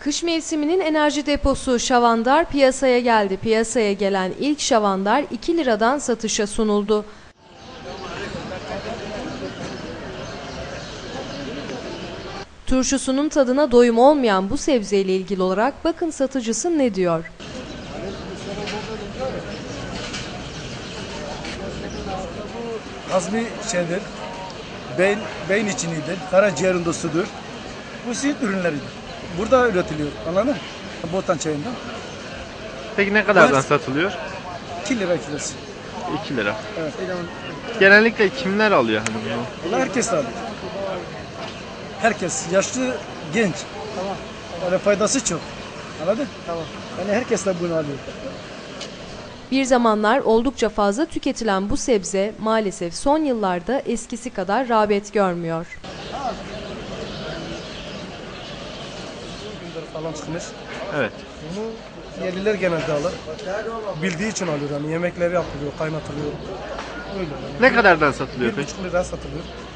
Kış mevsiminin enerji deposu şavandar piyasaya geldi. Piyasaya gelen ilk şavandar 2 liradan satışa sunuldu. Turşusunun tadına doyum olmayan bu sebzeyle ilgili olarak bakın satıcısı ne diyor. Hazmi şeydir, beyin içinidir, karaciğerin dostudur. Bu süt ürünleridir. Burada üretiliyor, anladın mı? Botan çayından. Peki ne kadardan satılıyor? 2 lira kilosu. 2 lira. Evet. Genellikle kimler alıyor hani bunu? Vallahi herkes alıyor. Herkes, yaşlı, genç. Tamam. Yani faydası çok. Anladın? Tamam. Yani herkes de bunu alıyor. Bir zamanlar oldukça fazla tüketilen bu sebze maalesef son yıllarda eskisi kadar rağbet görmüyor. Falan çıkmış. Evet. Bunu yerliler genelde alır. Bildiği için alıyor yani yemekleri yapılıyor, kaynatılıyor. Öyle. Yani. Ne kadardan satılıyor peki? 1,5 lira satılıyor.